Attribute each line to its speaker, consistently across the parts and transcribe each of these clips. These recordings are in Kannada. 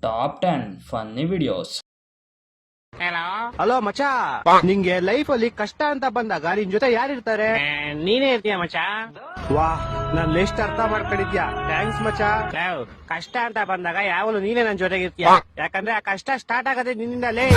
Speaker 1: Top 10 funny videos.
Speaker 2: ಹಲೋ ಮಚಾ, ನಿಂಗೆ ಲೈಫ್ ಅಲ್ಲಿ ಕಷ್ಟ ಅಂತ ಬಂದಾಗ ನಿನ್ ಜೊತೆ ಯಾರಿರ್ತಾರೆ?
Speaker 3: ನೀನೇ ಇರ್ತೀಯ ಮಚ.
Speaker 2: ವಾ, ನಾನ್ ಲಿಸ್ಟ್ ಅರ್ಥ ಮಾಡ್ಕೊಂಡಿದ್ಯಾ, ಥ್ಯಾಂಕ್ಸ್ ಮಚಾ.
Speaker 3: ಕಷ್ಟ ಅಂತ ಬಂದಾಗ ಯಾವಾಗಲೂ ನೀನೇ ನನ್ ಜೊತೆಗಿರ್ತೀಯ. ಯಾಕಂದ್ರೆ ಆ ಕಷ್ಟ ಸ್ಟಾರ್ಟ್ ಆಗದೆ ನಿನ್ನಿಂದಲೇ.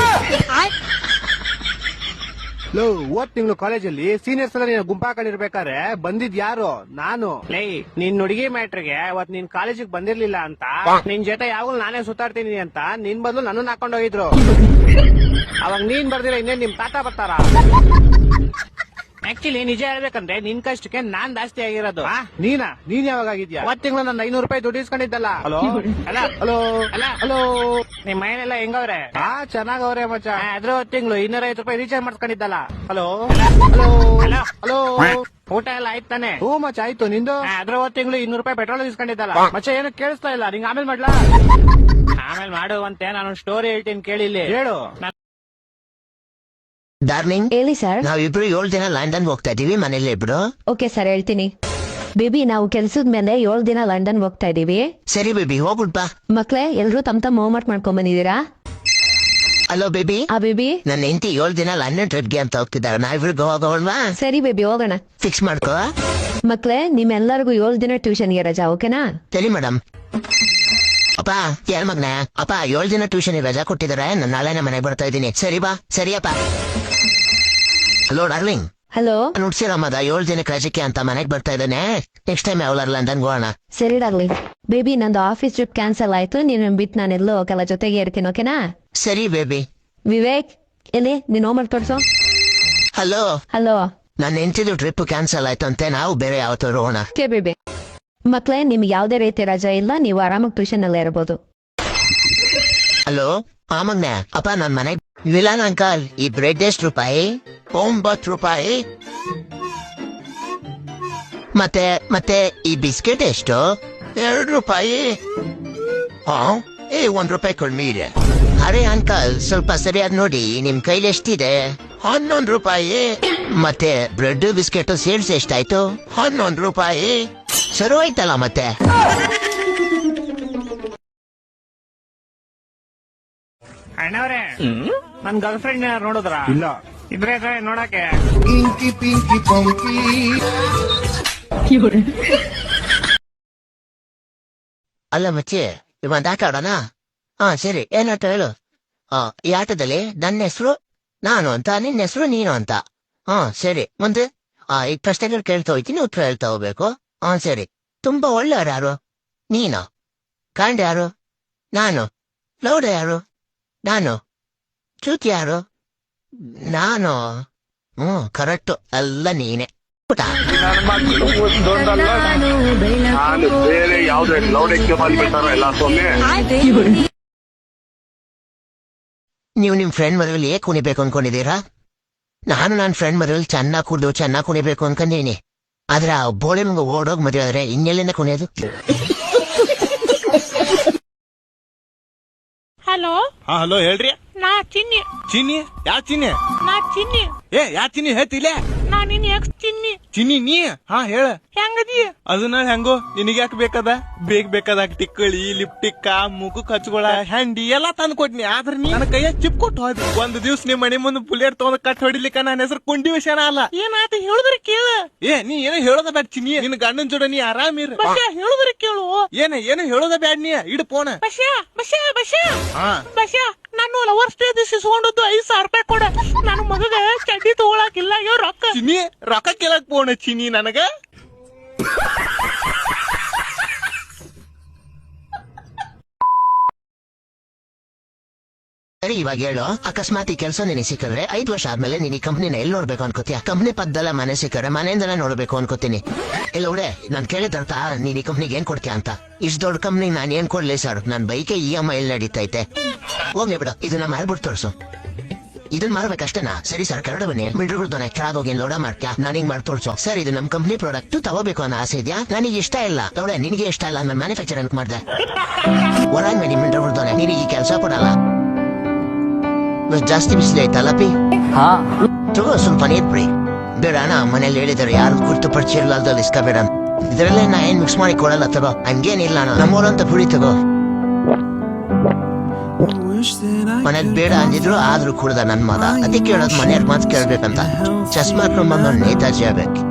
Speaker 2: ಲೋ, ಓದ್ ತಿಂಗಳು ಕಾಲೇಜಲ್ಲಿ ಸೀನಿಯರ್ಸ್ ಎಲ್ಲ ನೀನು ಗುಂಪಾಕೊಂಡಿರ್ಬೇಕಾದ್ರೆ ಬಂದಿದ್ ಯಾರು? ನಾನು.
Speaker 3: ಲೇ, ನಿನ್ ಹುಡುಗಿ ಮ್ಯಾಟ್ರಿಗೆ ಅವತ್ ನೀನ್ ಕಾಲೇಜಿಗೆ ಬಂದಿರ್ಲಿಲ್ಲ ಅಂತ ನಿನ್ ಜೊತೆ ಯಾವಾಗಲೂ ನಾನೇ ಸುತ್ತಾಡ್ತೀನಿ ಅಂತ ನಿನ್ ಬದಲು ನನ್ನನ್ನ ಹಾಕೊಂಡ್ ಹೋಗಿದ್ರು. ಅವಾಗ ನೀನ್ ಬರ್ದಿರ ಇನ್ನೇನ್ ನಿಮ್ ತಾತ ಬರ್ತಾರ? ಆಕ್ಚುಲಿ ನಿಜ ಹೇಳ್ಬೇಕಂದ್ರೆ ನಿನ್ ಕಷ್ಟಕ್ಕೆ ನಾನ್ ಜಾಸ್ತಿ ಆಗಿರೋದು.
Speaker 2: ನೀನ್ ಯಾವಾಗ ಆಗಿದ್ಯಾ?
Speaker 3: ಅವತ್ ತಿಂಗಳು ನನ್ನ 500 ರೂಪಾಯಿ ದುಡ್ಡು ಇಸ್ಕೊಂಡಿದ್ದಲ್ಲ.
Speaker 2: ಹಲೋ
Speaker 3: ಅಲ್ಲ
Speaker 2: ಹಲೋ
Speaker 3: ಅಲ್ಲ
Speaker 2: ಹಲೋ,
Speaker 3: ನಿಮ್ ಮನೆಯಲ್ಲ ಹೆಂಗವ್ರೆ?
Speaker 2: ಚೆನ್ನಾಗವ್ರೆ ಮಚಾ.
Speaker 3: ಅದ್ರ ತಿಂಗಳು 250 ರೂಪಾಯಿ ರೀಚಾರ್ಜ್ ಮಾಡ್ಸ್ಕೊಂಡಿದ್ದಲ್ಲ.
Speaker 2: ಹಲೋ
Speaker 3: ಹಲೋ
Speaker 2: ಹಲೋ ಹಲೋ,
Speaker 3: ಊಟ ಎಲ್ಲ ಆಯ್ತು ತಾನೆ?
Speaker 2: ಹ್ಞೂ ಮಚಾ, ಆಯ್ತು. ನಿಂದು?
Speaker 3: ಅದ್ರ ತಿಂಗಳು 200 ರೂಪಾಯಿ ಪೆಟ್ರೋಲ್ ಇಸ್ಕೊಂಡಿದ್ದಲ್ಲ.
Speaker 2: ಮಚಾ, ಏನು ಕೇಳಿಸ್ತಾ ಇಲ್ಲ. ನಿಂಗೆ ಆಮೇಲೆ ಮಾಡ್ಲಾ?
Speaker 3: ಆಮೇಲೆ ಮಾಡುವಂತೆ ನಾನು ಸ್ಟೋರಿ ಹೇಳ್ತೀನಿ ಕೇಳಿಲ್ಲಿ.
Speaker 2: ಹೇಳು.
Speaker 4: ಡಾರ್ಲಿಂಗ್,
Speaker 5: ಹೇಳಿ ಸರ್.
Speaker 4: ನಾವಿಬ್ರು 7 ದಿನ ಲಂಡನ್ ಹೋಗ್ತಾ ಇದೀವಿ, ಮನೇಲಿ ಇಬ್ರು.
Speaker 5: ಓಕೆ ಸರ್, ಹೇಳ್ತೀನಿ. ಬೇಬಿ, ನಾವು ಕೆಲ್ಸದ ಮೇಲೆ 7 ದಿನ ಲಂಡನ್ ಹೋಗ್ತಾ ಇದೀವಿ.
Speaker 4: ಸರಿ ಬೇಬಿ, ಹೋಗ್ಬಿಡ್ಬಾ.
Speaker 5: ಮಕ್ಳೇ, ಎಲ್ರು ತಮ್ ಹೋಮ್ ವರ್ಕ್ ಮಾಡ್ಕೊಂಡ್ ಬಂದಿದ್ದೀರಾ?
Speaker 4: Hello baby.
Speaker 5: ಆ ಬೇಬಿ,
Speaker 4: ನನ್ನ ಹೆಂಡತಿ 7 ದಿನ ಲಂಡನ್ ಟ್ರಿಪ್ಗೆ ಅಂತ ಹೋಗ್ತಿದ್ದಾರೆ. ನಾವಿಬ್ರು ಹೋಗೋಲ್ವಾ?
Speaker 5: ಸರಿ ಬೇಬಿ, ಹೋಗೋಣ.
Speaker 4: ಫಿಕ್ಸ್ ಮಾಡ್ಕೋ.
Speaker 5: ಮಕ್ಳೇ, ನಿಮ್ಮೆಲ್ಲರಿಗೂ 7 ದಿನ ಟ್ಯೂಷನ್ಗೆ ರಜಾ, ಓಕೆನಾ?
Speaker 4: ಸರಿ ಮೇಡಮ್. ಅಪ್ಪ, ಕೇಳ ಮಗ್ನ. ಅಪ್ಪ, 7 ದಿನ ಟ್ಯೂಷನ್ ರಜಾ ಕೊಟ್ಟಿದ್ದಾರೆ. ನಾನು ನಾಳೆನೆ ಮನೆಗೆ ಬರ್ತಾ ಇದ್ದೀನಿ. ಸರಿ ಬಾ. ಸರಿಯಪ್ಪ. Hello darling.
Speaker 5: ಹಲೋ.
Speaker 4: ನುಡ್ಸಿರಮ್ಮದ 7 ದಿನಕ್ಕೆ ರಜಕ್ಕೆ ಅಂತ ಮನೆಗೆ ಬರ್ತಾ ಇದ್ದಾನೆ. ನೆಕ್ಸ್ಟ್ ಟೈಮ್ ಯಾವಲಾರ ಲಂಡನ್ ಹೋಗೋಣ.
Speaker 5: ಸರಿ ಡಾರ್ಲಿಂಗ್. ಬೇಬಿ, ನಂದು ಆಫೀಸ್ ಟ್ರಿಪ್ ಕ್ಯಾನ್ಸಲ್ ಆಯ್ತು. ನೀನು ಬಿಟ್ಟು ನಾನೆಲ್ಲೋ ಹೋಗಲ್ಲ, ಜೊತೆಗೆ ಇರ್ತೀನಿ, ಓಕೆನಾ?
Speaker 4: ಸರಿ ಬೇಬಿ.
Speaker 5: ವಿವೇಕ್, ಎಲ್ಲಿ ನೀನ್ ಹೋಮ್ ವರ್ಕ್ ತೋರ್ಸು.
Speaker 4: ಹಲೋ.
Speaker 5: ಹಲೋ.
Speaker 4: ನನ್ನ ಹೆಂಡತಿದು ಟ್ರಿಪ್ ಕ್ಯಾನ್ಸಲ್ ಆಯ್ತು ಅಂತೆ. ನಾವು ಬೇರೆ ಯಾವತ್ತಾರು ಹೋಗೋಣ.
Speaker 5: Okay baby. ಮಕ್ಳೇ, ನಿಮ್ಗೆ ಯಾವ್ದೇ ರೀತಿ ರಜಾ ಇಲ್ಲ, ನೀವು ಆರಾಮಾಗಿ ಟ್ಯೂಷನ್ ಅಲ್ಲೇ ಇರಬಹುದು.
Speaker 4: ಹಲೋ ಮಗ್ನ. ಅಪ್ಪ, ನನ್ ಮನೆಗೆ ವಿಲಾನ್ ಅಂಕಲ್, ಈ ಬ್ರೆಡ್ ಎಷ್ಟು ರೂಪಾಯಿ? 9 ರೂಪಾಯಿ. ಮತ್ತೆ ಮತ್ತೆ ಈ ಬಿಸ್ಕೆಟ್ ಎಷ್ಟು? 2 ರೂಪಾಯಿ. ಏ, 1 ರೂಪಾಯಿ ಕಡಿಮೆ ಇದೆ. ಅರೆ ಅಂಕಲ್, ಸ್ವಲ್ಪ ಸರಿಯಾಗಿ ನೋಡಿ, ನಿಮ್ ಕೈಲಿ ಎಷ್ಟಿದೆ? 11 ರೂಪಾಯಿ. ಮತ್ತೆ ಬ್ರೆಡ್ ಬಿಸ್ಕೆಟ್ ಸೇರ್ಸಿ ಎಷ್ಟಾಯ್ತು? 11 ರೂಪಾಯಿ. ಸರಿ ಹೋಯ್ತಲ್ಲ ಮತ್ತೆ.
Speaker 3: ಅಣ್ಣವ್ರೆ, ನನ್ ಗರ್ಲ್ ಫ್ರೆಂಡ್ ನೋಡಿದ್ರ?
Speaker 2: ಇಲ್ಲ.
Speaker 3: ಇದ್ರೆ ನೋಡಕ್ಕೆ.
Speaker 4: ಅಲ್ಲ ಮಚ್ಚಿ, ಇವಂತ ಆಟ ಆಡೋಣ? ಸರಿ. ಏನಾಟ ಹೇಳು? ಈ ಆಟದಲ್ಲಿ ನನ್ನ ಹೆಸರು ನಾನು ಅಂತ, ನಿನ್ನ ಹೆಸರು ನೀನು ಅಂತ. ಸರಿ. ಮುಂದೆ ಈಗ ಪ್ರಶ್ನೆಗಳು ಕೇಳ್ತಾ ಹೋಗ್ತೀನಿ, ಉತ್ತರ ಹೇಳ್ತಾ ಹೋಗ್ಬೇಕು. ಸರಿ. ತುಂಬಾ ಒಳ್ಳೆಯವ್ರು ಯಾರು? ನೀನು. ಕಾಂಡ್ ಯಾರು? ನಾನು. ಲೌಡ ಯಾರು? ನಾನು. ಚೂತಿ ಯಾರು? ನಾನು. ಕರೆಕ್ಟು, ಎಲ್ಲ ನೀನೆ.
Speaker 6: ನಾನು ಬೇರೆ ಯಾವ್ದು ಲೌಡಕ್ಕೆ ಬಂದ್ಬಿಡ್ತಾರ ಎಲ್ಲ ಸೊನ್ನೆ.
Speaker 4: ನೀವು ನಿಮ್ ಫ್ರೆಂಡ್ ಮದುವೆಲಿ ಏಕೆ ಕುಣಿಬೇಕು ಅನ್ಕೊಂಡಿದ್ದೀರಾ? ನಾನು ನನ್ನ ಫ್ರೆಂಡ್ ಮದುವೆಲಿ ಚೆನ್ನಾಗಿ ಕುಡಿದು ಚೆನ್ನಾಗಿ ಕುಣಿಬೇಕು ಅನ್ಕೊಂಡಿನಿ. ಆದ್ರೆ ಆ ಬೋಳಿ ಮುಂಗ ಓಡೋಗ್ ಮದುವೆ ಆದ್ರೆ ಇನ್ನೆಲ್ಲಿಂದ ಕುಣಿಯೋದು?
Speaker 7: ಹಲೋ.
Speaker 8: ಹಲೋ, ಹೇಳ್ರಿ.
Speaker 7: ನಾ ಚಿನ್ನಿ.
Speaker 8: ಚಿನ್ನಿ? ಯಾ ಚಿನ್ನಿ?
Speaker 7: ನಾ ಚಿನ್ನಿ.
Speaker 8: ಯಾ ಚಿನ್ನಿ ಹೇಳ್ತಿಲ್ಲ?
Speaker 7: ನಾ ನಿನ್ ಎಕ್ಸ್ ಚಿನ್ನಿ.
Speaker 8: ಚಿನ್ನಿ ನೀ? ಹೇಳ.
Speaker 7: ಹೆಂಗದಿ?
Speaker 8: ಅದನ್ನ ಹೆಂಗೋ ನಿನಗೆ ಯಾಕೆ ಬೇಕದ? ಬೇಕಾದಾಗ ಟಿಕ್ಕಳಿ, ಲಿಪ್ಟಿಕ್ಕ, ಮುಖಕ್ಕೆ ಹಚ್ಕೊಳ, ಹ್ಯಾಂಡಿ ಎಲ್ಲಾ ತಂದು ಕೊಟ್ನಿ. ಆದ್ರೆ ನೀ ನನ್ನ ಕೈಯ ಚಿಪ್ ಕೊಟ್ಟು ಹೋದ್. ಒಂದ್ ದಿವ್ಸ ನಿಮ್ ಮನೆ ಮುಂದೆ ಬುಲೆಟ್ ತಗೊಂಡ್ ಕಟ್ ಹೊಡಿಲಿಕ್ಕ ನನ್ನ ಹೆಸರು ಕುಂಡಿ ವಿಷಯನ ಅಲ್ಲ.
Speaker 7: ಏನಾತ ಹೇಳಿದ್ರೆ ಕೇಳ.
Speaker 8: ನೀ ಏನೋ ಹೇಳೋದ ಬ್ಯಾಡ ಚಿನ್ನಿ. ನಿನ್ ಗಂಡನ ಜೋಡ ನೀ ಆರಾಮಿರ.
Speaker 7: ಹೇಳಿದ್ರೆ ಕೇಳು.
Speaker 8: ಏನು ಹೇಳೋದ ಬ್ಯಾಡ ನೀ. ಇಡ್ ಫೋನ್.
Speaker 7: ಬಶ್ಯಾ ಬಶ್ಯಾ ಬಶ್ಯಾ ಬಶ್ಯಾ, ನಾನು ಲವರ್ಸ್ ಡೇ ದಿಸ್ ಇಸ್ಕೊಂಡದ್ದು 5,000 ರೂಪಾಯಿ ಕೊಡ. ನನ್ನ ಮಗಗ ಚಡ್ಡಿ ತಗೊಳಕಿಲ್ಲ, ಇವ್ ರೊಕ್ಕ.
Speaker 8: ಚಿನ್ನಿ, ರೊಕ್ಕ ಕೇಳಕ್ ಫೋನ್ ಚಿನ್ನಿ ನನಗ.
Speaker 4: ಸರಿ, ಇವಾಗ ಹೇಳು. ಅಕಸ್ಮಾತ್ ಈ ಕೆಲಸ ನಿನಗೆ ಸಿಕ್ಕಿದ್ರೆ 5 ವರ್ಷ ಆದ್ಮೇಲೆ ನೀನ್ ಈ ಕಂಪ್ನಿನ ಎಲ್ಲಿ ನೋಡ್ಬೇಕು ಅನ್ಕೋತೀಯ? ಕಂಪ್ನಿ ಪಕ್ಕದಲ್ಲ ಮನೆ ಸಿಕ್ಕರೆ ಮನೆಯಿಂದನೇ ನೋಡ್ಬೇಕು ಅನ್ಕೋತೀನಿ. ಇಲ್ಲ ಹುಡೆ, ನಾನ್ ಕೇಳಿದಂತ ನೀನ್ ಈ ಕಂಪ್ನಿಗೆ ಏನ್ ಕೊಡ್ತೀಯ ಅಂತ. ಇಷ್ಟು ದೊಡ್ಡ ಕಂಪ್ನಿಗೆ ನಾನು ಏನ್ ಕೊಡ್ಲಿ ಸರ್? ನನ್ ಬೈಕೆ EMI ನಡೀತೈತೆ. ಹೋಗ್ಲಿ ಬಿಡು, ಇದನ್ನ ಮಾರ್ಬಿಟ್ಟು ತೋರ್ಸು. ಇದನ್ ಮಾರ್ಬೇಕಷ್ಟೇನಾ? ಸರಿ ಸರ್, ಕರಡು ಬನ್ನಿ. ಮಿಡ್ರುಗಳ್ದೋನೆ ಕೆಳಗೋಗಿ ಲೋಡ ಮಾಡ್ಕ್ಯಾ, ನಾನೀಗ ಮಾಡಿ ತೋರ್ಸು. ಸರ್, ಇದು ನಮ್ ಕಂಪ್ನಿ ಪ್ರಾಡಕ್ಟ್ ತಗೋಬೇಕು ಅನ್ನೋ ಆಸೆ ಇದೆಯಾ? ನನಗೆ ಇಷ್ಟ ಇಲ್ಲ. ನೋಡೆ, ನಿನಗೆ ಇಷ್ಟ ಇಲ್ಲ, ನಾನು ಮ್ಯಾನುಫ್ಯಾಕ್ಚರ್ ಅಂತ ಮಾಡಿದೆ. ಹೊರಗೆ ಮಾಡಿ ಮಿಡ್ರುಗಳ್ದೋನೆ, ನಿನಗೆ ಈ ಕೆಲಸ ಕೊಡಲ್ಲ. ಜಾಸ್ತಿ ಬಿಸಿಲು ಐತಲ್ಲ ಪಿ? ತಗೋ, ಸ್ವಲ್ಪ ನೀರ್ ಬಿಡಿ. ಬೇಡ ಅಣ್ಣ, ಮನೇಲಿ ಹೇಳಿದಾರೆ ಯಾರು ಕುರ್ತು ಪರಿಚಯ ಇರ್ಲಾರ್ದಲ್ಲಿ ಇಸ್ಕೋಬೇಡ. ಇದರಲ್ಲೇ ನಾ ಏನ್ ಮಿಕ್ಸ್ ಮಾಡಿ ಕೊಡಲ್ಲ. ತಗೋ, ಹಂಗೇನಿಲ್ಲ ಅಣ್ಣ, ನಮ್ಮೂರಂತ ಪುಡಿ ತಗೋ. ಮನೆಗ್ ಬೇಡ ಅಂದಿದ್ರು ಆದ್ರೂ ಕುಡ್ದ ನನ್ ಮಗ ಅದಕ್ಕೆ ಹೇಳೋದ್ ಮನೆಯವ್ರ ಮಾತು ಕೇಳ್ಬೇಕಂತ ಚಸ್ಮಾ ಹಾಕೊಂಡ್ ಬಂದವ್ ನೇತಾಜಿ ಆಗ್ಬೇಕು